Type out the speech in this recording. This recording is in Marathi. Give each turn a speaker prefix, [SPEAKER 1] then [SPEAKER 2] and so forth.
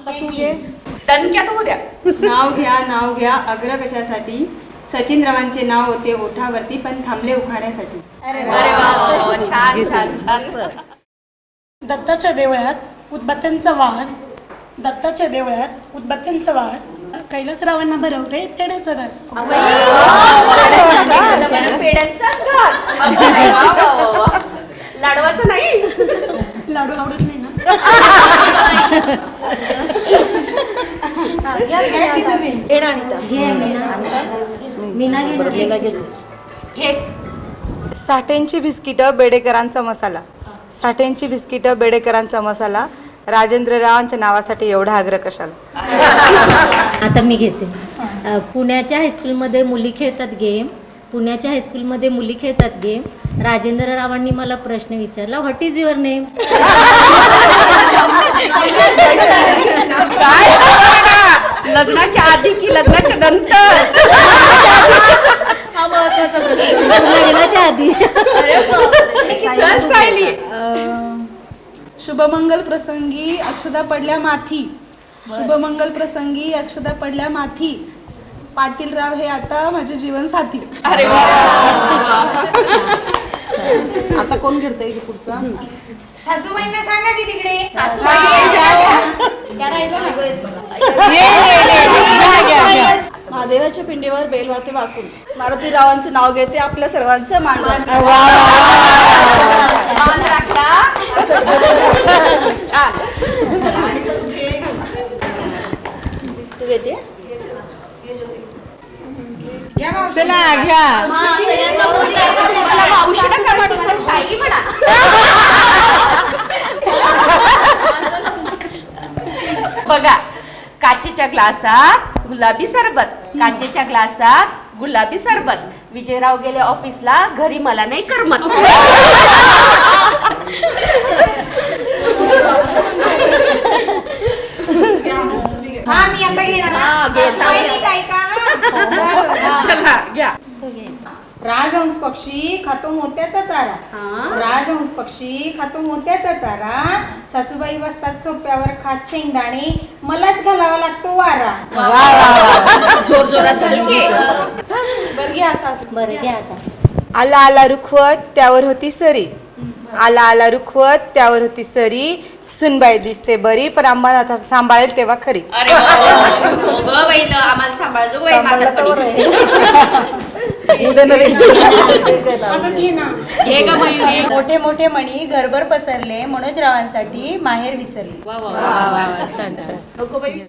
[SPEAKER 1] तू घे.
[SPEAKER 2] दणक्यात होऊ द्या.
[SPEAKER 3] नाव घ्या अग्र कशासाठी. सचिन रावांचे नाव होते ओठावरती पण थांबले उखाण्यासाठी.
[SPEAKER 2] अरे वा, छान छान छान.
[SPEAKER 4] दत्ताच्या देवळात उदबत्त्यांचा वास. दत्ताच्या देवळात उदबत्त्यांचा वास. कैलासरावांना भरवते पेढ्याचा रस.
[SPEAKER 2] पेड्यांचा घास. वा, वा, वा, वा. लाडवाचं नाही.
[SPEAKER 4] लाडू आवडत नाही ना.
[SPEAKER 2] हे
[SPEAKER 1] साठ्यांची बिस्किटं बेडेकरांचा मसाला. साठ्यांची बिस्किटं बेडेकरांचा मसाला. राजेंद्ररावांच्या नावासाठी एवढा आग्रह कशाला.
[SPEAKER 5] आता मी घेते. पुण्याच्या हायस्कूलमध्ये मुली खेळतात गेम. पुण्याच्या हायस्कूलमध्ये मुली खेळतात गेम. राजेंद्र रावांनी मला प्रश्न विचारला, व्हॉट इज युअर नेम.
[SPEAKER 2] काय लग्नाच्या आधी की लग्नाच्या नंतर.
[SPEAKER 6] हा महत्वाचा प्रश्न.
[SPEAKER 5] लग्नाच्या आधी.
[SPEAKER 2] चल सायली.
[SPEAKER 7] शुभमंगल प्रसंगी अक्षदा पडल्या माथी. शुभमंगल प्रसंगी अक्षदा पडल्या माथी. पाटीलराव हे आता माझे जीवन साथी.
[SPEAKER 2] अरे वा.
[SPEAKER 1] आता कोण घेतोय पुढचा.
[SPEAKER 4] सासूबाईंना सांगा की तिकडे.
[SPEAKER 3] महादेवाच्या पिंडीवर बेलवाते वाकून. मारुतीरावांचं नाव घेते आपल्या सर्वांचं मान राखते.
[SPEAKER 2] मान राखला. छान.
[SPEAKER 3] तू घेते.
[SPEAKER 1] चला घ्या.
[SPEAKER 6] हा, सगळ्यांना मावशी आहे.
[SPEAKER 2] मला मावशी नका म्हणू, पण ताई म्हणा. बघा, काचेच्या ग्लासात गुलाबी सरबत. काचेच्या ग्लासात गुलाबी सरबत. विजयराव गेले ऑफिसला, घरी मला नाही करमत.
[SPEAKER 4] हा मी आता घेणार.
[SPEAKER 2] हा, घे,
[SPEAKER 4] सासूबाईंनी काय का.
[SPEAKER 2] चला घ्या.
[SPEAKER 4] राजहंस पक्षी खातो मोत्याचा चारा. राजहंस पक्षी खातो मोत्याचा चारा. सासूबाई बसतात सोप्यावर खात शेंगदाणे. मलाच घालावा लागतो वारा.
[SPEAKER 2] जोर जोरात घालके.
[SPEAKER 4] बरं घ्या सासू.
[SPEAKER 5] बरं घ्या आता.
[SPEAKER 1] आला आला रुखवत त्यावर होती सरी. आला आला रुखवत त्यावर होती सरी. सुनबाई दिसते बरी पण आम्हाला सांभाळेल तेव्हा खरी.
[SPEAKER 2] अरे वा, हो गं बाईलं, आम्हाला सांभाळतो बाई म्हातारपणी.
[SPEAKER 4] आता घे ना.
[SPEAKER 2] घे ग मयुरी.
[SPEAKER 3] मोठे मोठे मणी घरभर पसरले. मनोजरावांसाठी माहेर विसरले.
[SPEAKER 2] वा वा वा.
[SPEAKER 1] छान छान.
[SPEAKER 2] नको बाई.